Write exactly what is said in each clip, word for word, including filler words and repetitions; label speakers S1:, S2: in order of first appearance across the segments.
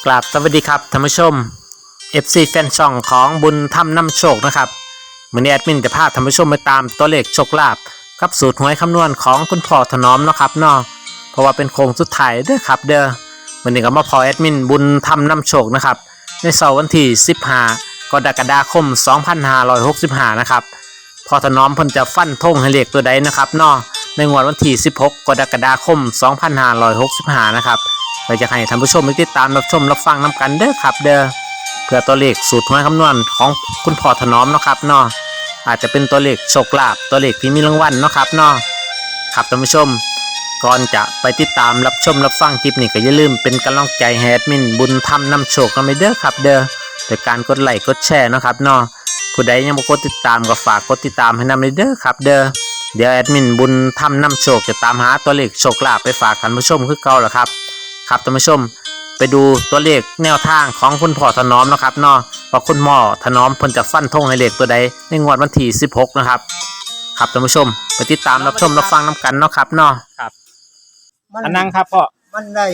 S1: กราบสวัสดีครับท่านผู้ชม เอฟ ซี แฟนช่องของบุญธรรมนำโชคนะครับมื้อนี้แอดมินจะพาท่านผู้ชมไปตามตัวเลขโชคลาภกับสูตรหวยคำนวณของคุณพ่อถนอมเนาะครับเนาะเพราะว่าเป็นโค้งสุดท้ายเด้อครับเด้อมื้อนี้ก็มาพอแอดมินบุญธรรมนำโชคนะครับในเสาร์วันที่สิบห้ากรกฎาคมสองพันห้าร้อยหกสิบห้านะครับพ่อถนอมเพิ่นจะฟันธงให้เลขตัวใดนะครับเนาะในงวดวันที่สิบหกกรกฎาคมสองพันห้าร้อยหกสิบห้านะครับเราจะให้ท่านผู้ชมติดตามรับชมรับฟังนำกันเด้อครับเด้อเพื่อตัวเลขสูตรหวยคำนวณของคุณพ่อถนอมเนาะครับเนาะอาจจะเป็นตัวเลขโชคลาภตัวเลขที่มีรางวัลเนาะครับเนาะครับท่านผู้ชมก่อนจะไปติดตามรับชมรับฟังคลิปนี้ก็อย่าลืมเป็นกำลังใจให้แอดมินบุญธรรมนำโชคกันไปเด้อครับเด้อโดยการกดไลค์กดแชร์เนาะครับเนาะผู้ใดยังบ่กดติดตามก็ฝากกดติดตามให้นำเลยเด้อครับเด้อเดี๋ยวแอดมินบุญธรรมนำโชคจะตามหาตัวเลขโชคลาภไปฝากท่านผู้ชมคือเก่าล่ะครับครับท่านผู้ชมไปดูตัวเลขแนวทางของคุณพ่อถนอมนะครับเนาะว่าคุณพ่อถนอมเพิ่นจะฟันธงให้เลขตัวใดในงวดวันที่สิบหกนะครับครับท่านผู้ชมไปติดตามรับชมรับฟังนำกันเนาะครับเนาะครับอันนั่งครับพ่อ
S2: มันได้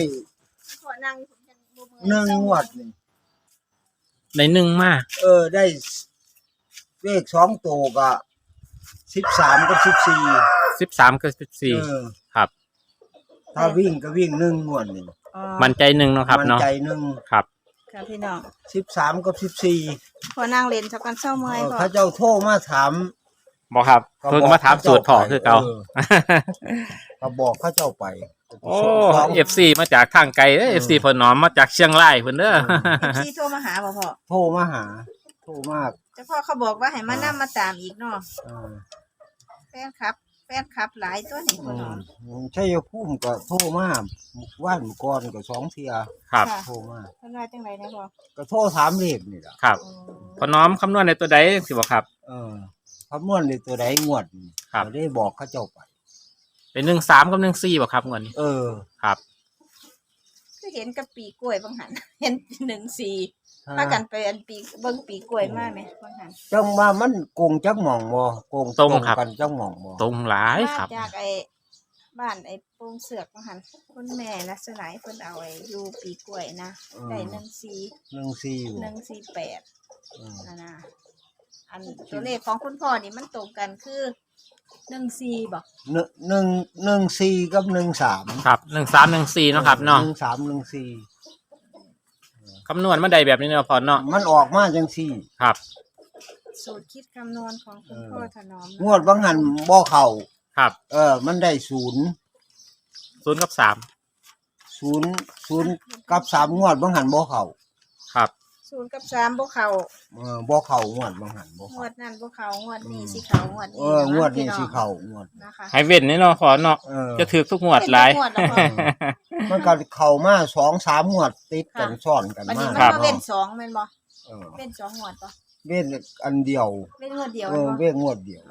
S2: หนึ่งงวดนี่
S1: ในหนึ่งมาก
S2: เออได้เลขสองตัวก็สิบสามกับสิบสี่
S1: สิบสามกับสิบสี่ครับ
S2: ถ้าวิ่งก็วิ่งหนึ่งงวดนี่
S1: มันใจหนึ่งเนาะครับเนาะ
S2: มันใจหนึ่ง
S1: ครับ
S3: ครับพี่น้อง
S2: สิบสามกับสิบสี่
S3: พอนั่งเล่นสักกันเศร้าเมื่อย
S2: พระเจ้าโทรมาถาม
S1: บอกครับเพิ่งมาถามสูตรพ่อคือเก่า
S2: ก็บอกพระเจ้าไป
S1: โอ้เอฟซีมาจากทางไกลเด้อเอฟซีพอหนอมมาจากเชียงรายเพิ่นเด้อ
S3: เอฟซีโทรมาหาบ่พ่อ
S2: โทรมาหาโทรมาก
S3: เจ้าพ่อเขาบอกว่าให้มานํมาตามอีกเนาะแฟนครับแฟนครับหลายตัวนี่พ่อหนอม
S2: ใช่พุ่มก็โทรมาว่านก่อนก็สองเที่ย
S1: ครับ
S2: โทรมา
S3: เพิ่นว่าจังได๋นะพ่อ
S2: ก็โทรถามเลขนี่ล่ะ
S1: ครับพอหนอมคำนวณในตัวใดสิบ่ครับ
S2: เออคำนวณในตัวใดงวดครับได้บอกเขาเจ้าไป
S1: เป็นหนึ่งสามกับหนึ่งสี่บ่ครับงวดนี้
S2: เออ
S1: ครับ
S3: คือเห็นกับปีกล้วยบางหันเห็นหนึ่งสี่พากันไปอันปีเบิ่งปีกล้วยมาไหมบางหัน
S2: จังว่ามันโกงจักหม่องบ่โกง
S1: ตรงกัน
S2: จักหม่องบ่
S1: ตรงหลายครับ
S3: จากไอ้บ้านไอ้โป่งเสือกบางหันคุณแม่ลักษณะเพิ่นเอาไอ้อยู่ปีกล้วยนะได้หนึ่งสี่
S2: หนึ่งสี่
S3: หนึ่งสี่แปดนั่นน่ะอันตัวเลขของคุณพ่อนี่มันตรงกันคือหนึ่งสี่บอก
S2: หนึ่งหนึ่งหนึ่งสี่กับหนึ่งสาม
S1: ครับหนึ่งสามหนึ่งสี่เนาะครับเนาะ
S2: หนึ่งสามหนึ่งสี่
S1: คำนวณมาได้แบบนี้เนาะพอเนาะ
S2: มันออกมาจังสี่
S1: ครับ
S3: สูตรคิดคำนวณของคุณพ่อถนอม
S2: งวดบางหันบ่เข่า
S1: ครับ
S2: เออมันได้ศูนย์
S1: ศูนย์กับสาม
S2: ศูนย์ศูนย์กับสามงวดบางหันบ่เข่า
S1: ครับ
S3: ศูนย์กับสามบ่เข่า
S2: เออบ่เข่างวดบางหันบ่
S3: งวดนั้นบ่เข่างวดนี้สิเข่างวดนี้
S2: เอองวดนี้สิเข่างวด
S3: นะคะ
S1: ให้เว้นนี่เนาะพอเนาะจะถือทุกงวดหลาย
S2: มันก็เข่ามาสองสามงวดติดกันซ้อนกัน
S3: มา
S2: ครับ
S3: เว้นสองแม่นบ่เออเว้นสองงวดบ่
S2: เว้นอันเดียว
S3: เว้นงวดเดียว
S2: เออเว้นงวดเดียว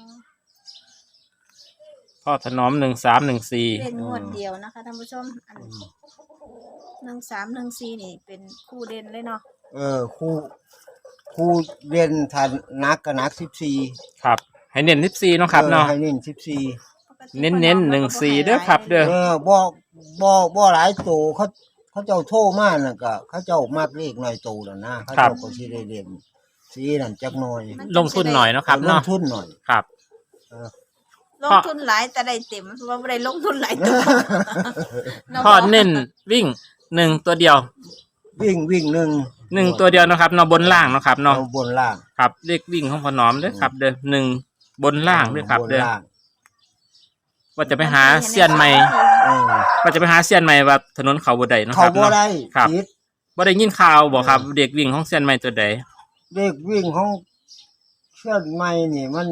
S1: พ่อถนอมหนึ่งสามหนึ่งสี่
S3: เว้นงวดเดียวนะคะท่านผู้ชมอันหนึ่งสามหนึ่งสี่นี่เป็นคู่เด่นเลยเนาะ
S2: เออคู่คู่เด่นทันนักกับนักสิบสี่
S1: ครับให้เน้นสิบสี่เนาะครับเนาะ
S2: ให้เน้นสิบสี่
S1: เน้นเน้นหนึ่งสี่เด้อครับเด้อ
S2: เออบ่บ่บ่หลายโตเขาเขาเจ้าโทรมาน่ะก็เขาเจ้ามากเลขหน่อยโตแล้วนะเขาเจ้าก็สิได้เด่นสีนั่นจักหน่อย
S1: ลงทุนหน่อยเนาะครับเนาะ
S2: ลงทุนหน่อย
S1: ครับ
S3: ลงทุนหลายแต่ได้เต็มเพราะว่าไม่ได้ลงทุนหลายตัว
S1: พ่อเน้นวิ่งหนึ่งตัวเดียว
S2: วิ่งวิ่งหนึ่ง
S1: หนึ่งตัวเดียวนะครับเนาะบนล่างเนาะครับเนาะ
S2: บนล่าง
S1: ครับเลขวิ่งของพ่อหนอมด้วยครับเด้อหนึ่งบนล่างด้วยครับเด้อว่าจะไปหาเซียนใหม่ว่าจะไปหาเซียนใหม่ว่าถนนเขาบ่ได้เนาะครับ
S2: เขาบ่ได้
S1: ครับบ่ได้ยินข่าวบอกครับเด็กวิ่งของเซียนใหม่ตัวใด
S2: เด็กวิ่งของเซียนใหม่นี่มัน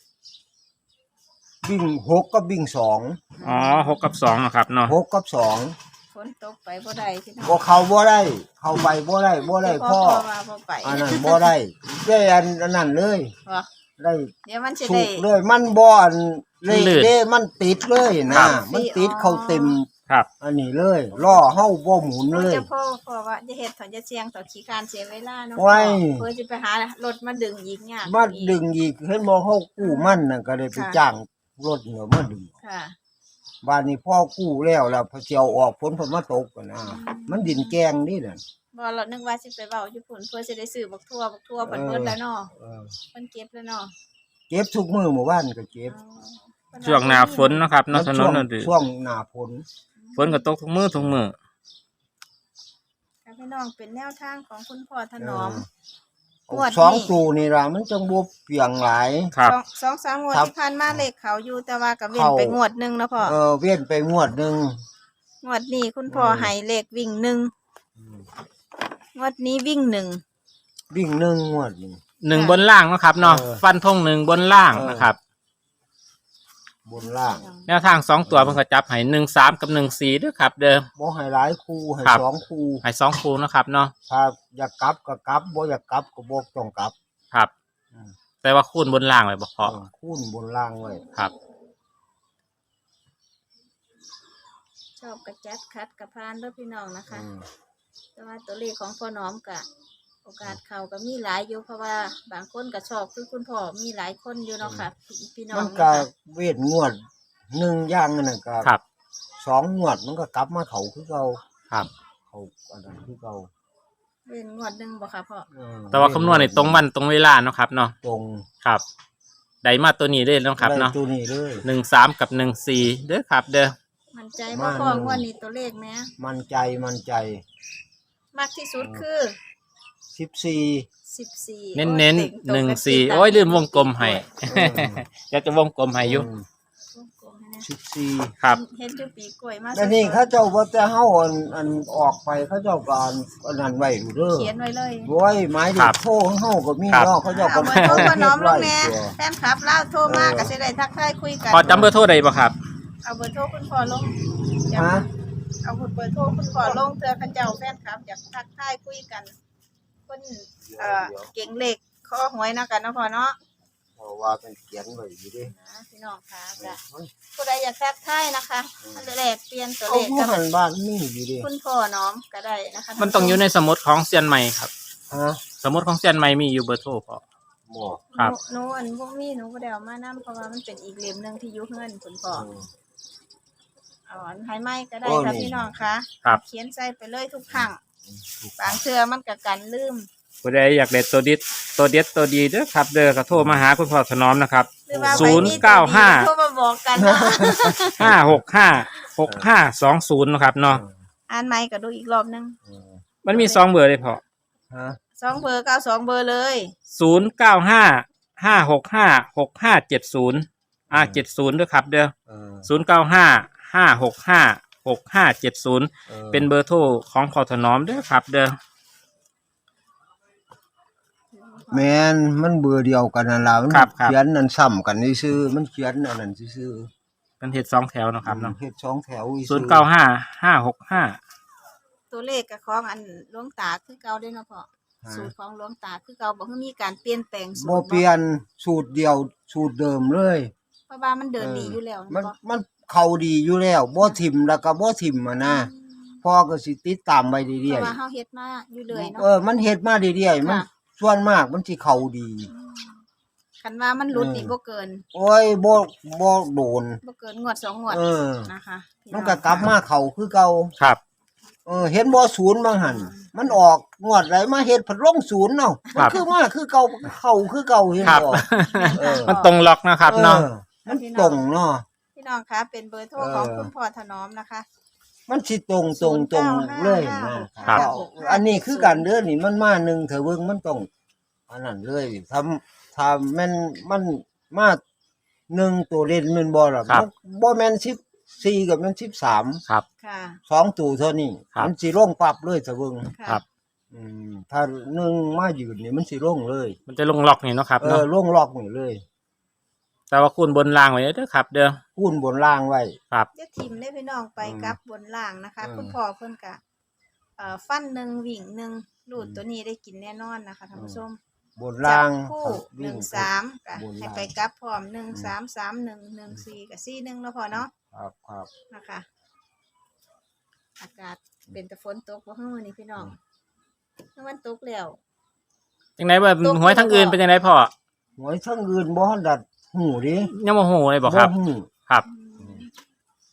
S2: วิ่งหกกับวิ่งสอง
S1: อ๋อหกกับสองนะครับเนาะ
S2: หกกับสอง
S3: ฝนตกไปบ่ได้ที่นั่น
S2: บ่เขาบ่ได้เขาไปบ่ได้บ่ได้พ่ออันนั้นบ่ได้ได้อันอันนั้นเลยได้
S3: เดี๋ยวมันสิได้
S2: เลยมันบ่อันเลยเด้มันติดเลยนะมันติดเขาเต็ม
S1: ครับ
S2: อันนี้เลยล้อเฮาบ่หมุนเลย
S3: จะพ่อพ่อว่าจะเฮ็ดถอนจะเสียงต่อขี้การเสียเวลาเนาะเพื่อจะไปหารถมาดึงอีกเนี่ย
S2: มาดึงอีกเห็นบ่เฮากู้มันน่ะก็ได้ไปจ้างรถเหนือมาดึง
S3: ค่ะ
S2: บ้านนี้พ่อกู้แล้วแล้วพอเจียวออกฝนเพิ่นมาตกกันนะมันดินแกงนี่น่ะ
S3: บ่เรานึกว่าสิไปเว้าอยู่พุ่นเพื่อสิได้ซื้อบักทั่วบักทั่วเพิ่นเบิดแล้วเนาะ
S2: เออ
S3: เพิ่นเก็บแล้วเนาะ
S2: เก็บทุกมื้อหมู่บ้านก็เก็บ
S3: อ๋อเพิ่น
S1: ช่วงหน้าฝนเนาะครับเนาะถนนนั่นดิ
S2: ช่วงหน้าฝน
S1: ฝนก็ตกทุกมื้อทุกมื้อ
S3: ค่ะพี่น้องเป็นแนวทางของคุณพ่อถนอม
S2: เออง
S3: วดนี้
S2: สองตูนี่ล่ะมันจังบ่เปียงหลาย
S1: ครับ
S3: สองสองสามงวด
S2: ครับ
S3: ที่ผ่านมาเลขเขาอยู่แต่ว่าก็เว้น
S2: เข้า
S3: ไปงวดหนึงเนาะพ่อ
S2: เออเว้นไปงวดหนึง
S3: งวดนี้คุณพ่อให้เลขวิ่งหนึ่งงวดนี้วิ่งหนึ่ง
S2: วิ่งหนึ่งงวดนี่
S1: หนึ่งบนล่างเนาะครับเนาะ
S2: เออ
S1: ฟันธงหนึ่งบนล่าง
S2: เออ
S1: นะครับ
S2: บนล่าง
S1: แนวทางสองตัวเพิ่นก็จับให้หนึ่งสามกับหนึ่งสี่ด้วยครับ เด้อ
S2: บ่ให้หลายคู่ให้
S1: ครับ
S2: สองคู่
S1: ให้สองคู่เนาะครับเนาะ
S2: ถ้าอยากกลับก็กลับบ่อยากกลับก็บ่ต้องกลับ
S1: ครับ
S2: อืม
S1: แต่ว่าคูณบนล่างไว้บ่พอ
S2: เออคูณบนล่างไว้
S1: ครับ
S3: ชอบกระจัดคัดกระพานเด้อพี่น้องนะคะ
S2: อืม
S3: แต่ว่าตัวเลขของพ่อน้อมกะโอกาสเขาก็มีหลายอยู่เพราะว่าบางคนก็ชอบคือคุณพ่อมีหลายคนอยู่เนาะค่ะพี่พี่น้อง
S2: มัน
S3: เนาะ
S2: ก็
S3: ค่ะ
S2: เวทงวดหนึ่งอย่างนั่นนะก็
S1: ครับ
S2: สองงวดมันก็กลับมาเขาคือเก่า
S1: ครับ
S2: เขาอันนั้นคือเก่า
S3: เป็นงวดหนึ่งบ่ค่ะพ่อ
S2: เออ
S1: แต่ว่าคำนวณในตรงวันตรงเวลาเนาะครับเนาะ
S2: ตรง
S1: ครับได้มาตัวนี้เลยเนาะครับเนาะ
S2: ได้ตัวนี้เลย
S1: หนึ่งสามกับหนึ่งสี่เด้อครับ เด้อ
S3: มันใจบ่พ่องวดนี้ตัวเลขแหม
S2: มันใจมันใจ
S3: มากที่สุดคือ
S2: สิบสี่
S3: สิบสี่
S1: เน้นเน้นหนึ่งสี่โอ้ยลืมวงกลมให้ อยากจะวงกลมให้อยู่
S2: สิบสี่
S1: ครับ
S3: เห็นจุปีกล้วยมา
S2: แล้วนี่เขาเจ้าว่าจะเฮาอันอันออกไปเขาเจ้าก็อันอันนั้นไว้อยู่เด้อ
S3: เขียนไว้เลย
S2: โว้ยหมายถึ
S1: ครั
S2: ง
S1: บ
S2: โทรของเฮาก็มี
S1: ครับ
S2: เนาะเขาเจ้าก็
S3: เอาเบอร์โทรพ่อน้อมลงแน่
S2: เก็บไว้
S3: แฟนคลับเล่าโทรมาก็สิได้ทักทายคุยกัน
S1: พอจำเบอร์โทรได้บ่ครับ
S3: เอาเบอร์โทรคุณพ่อลงจำ
S2: ฮะ
S3: เอาเบอร์โทรคุณพ่อลงเธอเขาเจ้าแฟนคลับอยากทักทายคุยกันคนเอ่อเก่งเลขข้อหวยเนาะกันเนาะพ่อเนาะ
S2: เพราะว่าเป็นเขียนไว้อยู่เดิ
S3: นะพี่น้องค่ะจ้ะผู้ใดอยากทักทายนะคะมันแลกเปลี่ยนตัว
S2: เอา
S3: เลข
S2: ผู้
S3: กับ
S2: หันบ้านมีอยู่เดิ
S3: คุณพ่อน้อมก็ได้นะคะ
S1: มันต้องอยู่ในสมุดของเซียนใหม่ครับ
S2: ฮะ
S1: สมุดของเซียนใหม่มีอยู่เบอร์โทรพอ
S2: บ่
S1: ครับ
S3: หนูหนูอันพวกนี้หนูบ่ได้เอามานํเพราะว่ามันเป็นอีกเล่มหนึงที่อยู่เฮือนคุณพ่อ
S2: เออ
S3: เอาอันไฮไม้ก็ได้
S2: โอ้
S3: ค่ะ
S2: นี่
S3: พี่น้องค่ะ
S1: ครับ
S3: เขียนใส่ไปเลยทุกครั้งบางเทื่อมันก็กันลืม
S1: ผู้ใดอยากได้ตัวดิดตัวเด็ดตัวดีเด้อครับ เด้อก็โทรมาหาคุณพ่อถนอมนะครับ
S3: หรือว่า
S1: ศู
S3: ใคร
S1: นย์
S3: มี
S1: เก้าห้า
S3: ตัวดีโทรมาบอกกันนะ
S1: ห้าหกห้าหกห้าสองศูนย์นะครับเนาะ
S3: อ่านไม้ก็ดูอีกรอบหนึง
S2: เออ
S1: มันมีสองเบอร์เลยพอ
S2: ฮะ
S3: สองเบอร์เก้าสองเบอร์เลย
S1: ศูนย์เก้าห้าห้าหกห้าหกห้าเจ็ดศูนย์อ่าเจ็ดศูนย์ด้วยครับ เด้อ
S2: เออ
S1: ศูนย์เก้าห้าห้าหกห้าหกห้าเจ็ดศูนย์
S2: ออ
S1: เป็นเบอร์โทรของพอถนอมเด้อครับ เด้อ
S2: แม่นมันเบอร์เดียวกันนั่นล่ะมัน
S1: ครับครับ
S2: เขียนนั่นซ้ำกันซื่อๆมันเขียนอันนั้นซื่อ
S1: เป็นเฮ็ดสองแถวเนาะ
S2: ๆ
S1: ครับเนาะ
S2: เฮ็ดสองแถวอี
S1: ศูนย์เก้าห้าห้าหกห้า
S3: ตัวเลขกับของอันหลวงตาคือเก่าเด้อเนาะพ่อสูตรของหลวงตาคือเก่าบ่คือมีการเปลี่ยนแปลงสูตร
S2: บ่เปลี่ยนสูตรเดียวสูตรเดิมเลย
S3: เพราะว่ามันเดินดีอยู่แล้ว
S2: มัน
S3: เนาะ
S2: มันเข้าดีอยู่แล้วบ่ทิ่มแล้วก็บ่ทิ่มอ่ะนะพ่อก็สิติดตามไว้
S3: เพ
S2: เรื่อย
S3: ราะว่าเฮาเฮ็ดมาอยู่เลย
S2: ๆ
S3: เนาะ
S2: เออมันเฮ็ดมาเรื่อยๆมัน
S3: ค่ะ
S2: ส่วนมากมันสิเข้าดี
S3: คันว่ามันหลุดนี่
S2: เออ
S3: บ่เกิน
S2: โอ้ยบ่บ่โดน
S3: บ่เกินงวดสองงวด
S2: เออ
S3: นะคะพี่
S2: มัน
S3: อง
S2: ก็กลับมาเข้าคือเก่า
S1: ครับ
S2: เออเห็นบ่ศูนย์บางหันมันออกงวดไหลมาเฮ็ดผัดลงศูนย์เนาะ
S1: ครั
S2: มัน
S1: บ
S2: คือมาคือเก่าเข้าคือเก่าเห็น
S1: ครับ
S2: บ่เออ
S1: มันตรงล็อกนะครับเนาะ
S2: ออมันตรงเนาะ
S3: พี่น้องคะเป็นเบอร์โทร
S2: เออ
S3: ของคุณพ่อถนอมนะคะ
S2: มันสิตรงตรงตรงเลยนะครับ อันนี้คือการเดินนี่มันมาหนึ่งเถอะเบิ่งมันต้องอันนั้นเลยทำถ้าแม่นมันมาหนึ่งตัวเล่นแมันบ่ล่ะ
S1: ครับ
S2: มันบ่แม่นสิบสี่กับแม่นสิบสาม
S1: ครับ
S3: ค่ะ
S2: สองตัวเท่านี้
S1: ครับ
S2: มันสิลงปรับเลยเถอะเบิ่ง
S3: ค่ะ
S1: ครับ
S2: อืมถ้าหนึ่งมายืนนี่มันสิลงเลย
S1: มันจะลงล็อกนี่เนาะครับ
S2: เอ
S1: เนาะ
S2: อลงล็อกนี่เลย
S1: แต่ว่าคูณบนล่างไว้เด้อครับ เด้อ
S2: คูณบนล่างไว้
S1: ครับ
S3: จะทิมได้พี่น้องไป
S2: อืม
S3: กับบนล่างนะคะ
S2: อืม
S3: คุณพ่อเพิ่นกะเอ่อฟันหนึ่งวิ่งหนึ่งรูดตัวนี้ได้กินแน่นอนนะคะท่านผู้ชม
S2: บนล่าง
S3: จับคู่หนึ่งสามกะ
S2: บน
S3: ให้
S2: ล่าง
S3: ไปกลับพร้อมหนึ่งสามสามหนึ่งหนึ่งสี่กับสี่หนึ่งแล้วพอเนาะ
S2: ครับครับ
S3: นะคะ อากาศเป็นแต่ฝนตกบ่ฮื้อนี่พี่น้องเมื่อวันตกแล้ว
S1: จังไดว่าหวยทั้งอื่นเป็นจังไดพ่อ
S2: หวยทั้งอื่นบ่ทันดัดหูดิ
S1: ยังบ่ฮู้เลยบ่ครับ
S2: หู
S1: ครับ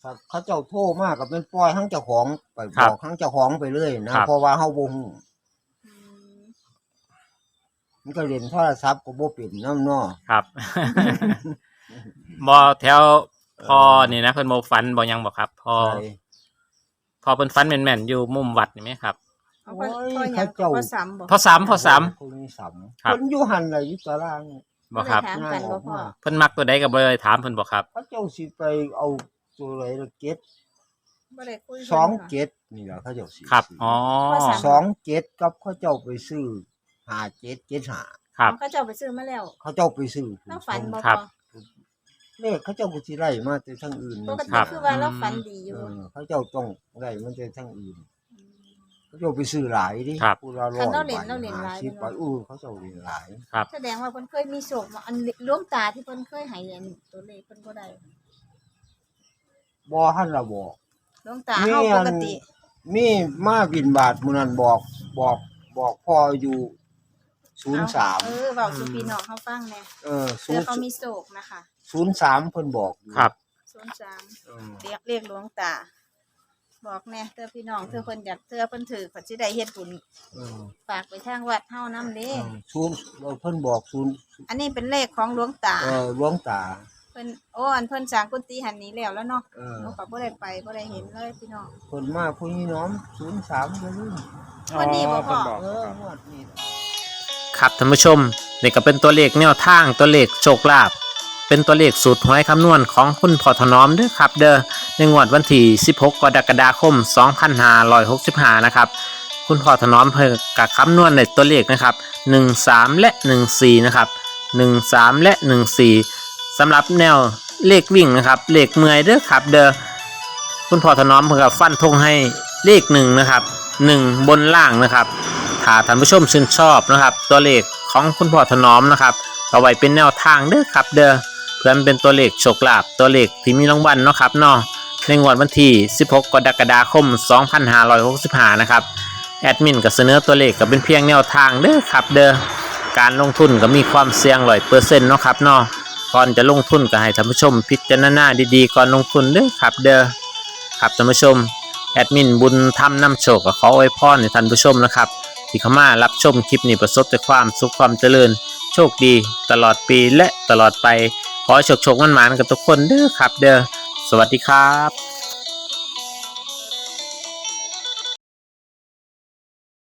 S2: ถ้าเขาเจ้าโทรมากก็เป็นปล่อยทั้งเจ้าของไป
S1: ครับ บ
S2: อกทั้งเจ้าของไปเลยนะครับ เพราะว่าเฮาบ่ฮู้
S3: อืม
S2: มันก็เล่นโทรศัพท์ก็บ่เป็นนำเนาะ
S1: ครับ บ่แถวพอนี่นะเพิ่นบ่ฟันบ่หยังบ่ครับพอ
S2: ใช่
S1: พอเพิ่นฟันแม่นๆอยู่มุมวัดนี่ไหมครับ
S3: เอาพ่อพ่อหยังพ่อซ้ำบ่
S1: พอสามพอสาม
S2: คนนี้สาม
S1: ครับ
S2: เพิ่นอยู่หั่นล่ะอยู่ตาราง
S1: บ่ครับ
S3: ถามกันบ่พ่อ
S1: เพิ่นมักตัวใดก็บ่ได้ถามเพิ่นบ่ครับ
S2: เขาเจ้าสิไปเอาตัวไหนละเก็ด
S3: บ่ได้คุยกัน
S2: สอง
S3: ค่ะ
S2: เก็ดนี่ล่ะเขาเจ้าสิ
S1: ครับอ๋อ
S3: ข้อสาม
S2: สองเก็ดกับเขาเจ้าไปซื้อห้าเจ็ดเจ็ดห้า
S1: ครับ
S3: เขาเจ้าไปซื้อมาแล้ว
S2: เขาเจ้าไปซื้อ
S3: เราฝันบ่
S1: ครั
S3: พ่
S1: บ
S3: อ
S2: เลขเขาเจ้าก็สิไล่มาแต่ทางอื่น
S3: ปก
S2: จัง
S3: ติ
S2: ซี้
S3: คือว่าเราฝันดีอยู่
S2: เออเขาเจ้าต้องไล่มาแต่ทางอื่น เขาเจ้าไปซื้อหลายดิ
S1: ครับ
S2: ผู้ละร้อย
S3: คันเราเล่นเราเล่นหลาย
S2: สิบไปอู้เขาเจ้าเล่นหลาย
S1: ครับ
S3: แสดงว่าเพิ่นเคยมีโศกมาอันหลวงตาที่เพิ่นเคยให้อันตัวเลขเพิ่นบ่ได้
S2: บ่ทันละบอก
S3: หลวงตาเฮาปกติ
S2: มีมาบินบาทมื้อนั้นบอกบอกบอกพ่ออยู่ศูนย์สาม
S3: เออเว้าสู่พี่น้องเฮาฟังแหน่
S2: เออ
S3: เพื่อเขามีโศกนะคะ
S2: ศูนย์สามเพิ่นบอกอยู่
S1: ครับ
S3: ศูนย์สาม
S2: เออ
S3: เรียกเรียกหลวงตา บอกแหน่เธอพี่น้องเธอเพิ่นอยากเธอเพิ่นถือเพิ่นสิได้เฮ็ดบุญ
S2: เออ
S3: ฝากไปทางวัดเฮานำเด้
S2: เออศูนย์เพิ่นบอกศูนย์
S3: อันนี้เป็นเลขของหลวงตา
S2: เออหลวงตา
S3: เพิ่นโอ้อันเพิ่นสร้างกุฏิหันนี้แล้วแล้วเนาะ
S2: เออ
S3: หนูก็บ่ได้ไปบ่ได้เห็นเลยพี่น้อง
S2: เพิ่นมาผู้นี้น้อมศูนย์สามก็ลืม
S3: วันนี้บ่พ่อ
S2: เออฮอดนี่
S1: ครับท่านผู้ชมนี่ก็เป็นตัวเลขแนวทางตัวเลขโชคลาภเป็นตัวเลขสูตรหวยคำนวณของคุณพ่อถนอมเด้อครับ เด้อในงวดวันที่สิบหกกรกฎาคมสองพันห้าร้อยหกสิบห้านะครับคุณพ่อถนอมเพิ่นกับคำนวณในตัวเลขนะครับหนึ่งสามและหนึ่งสี่นะครับหนึ่งสามและหนึ่งสี่สำหรับแนวเลขวิ่งนะครับเลขเมื่อยเด้อครับ เด้อคุณพ่อถนอมเพิ่นก็ฟันธงให้เลขหนึ่งนะครับหนึ่งบนล่างนะครับถ้าท่านผู้ชมชื่นชอบนะครับตัวเลขของคุณพ่อถนอมนะครับเอาไว้เป็นแนวทางเด้อครับเด้อเพื่อมันเป็นตัวเลขโชคลาภตัวเลขที่มีรางวัลเนาะครับเนาะในงวดวันที่สิบหกกรกฎาคมสองพันห้าร้อยหกสิบห้านะครับแอดมินก็เสนอตัวเลขก็เป็นเพียงแนวทางเด้อครับเด้อการลงทุนก็มีความเสี่ยง ร้อยเปอร์เซ็นต์ เนาะครับเนาะก่อนจะลงทุนก็ให้ท่านผู้ชมพิจารณาดีๆก่อนลงทุนเด้อครับเด้อครับท่านผู้ชมแอดมินบุญธรรมนำโชคก็ขออวยพรให้ท่านผู้ชมนะครับที่เข้ามารับชมคลิปนี้ประสบแต่ความสุขความเจริญโชคดีตลอดปีและตลอดไปขอให้โชคโชคมันหมานๆกับทุกคนเด้อครับเด้อสวัสดีครับ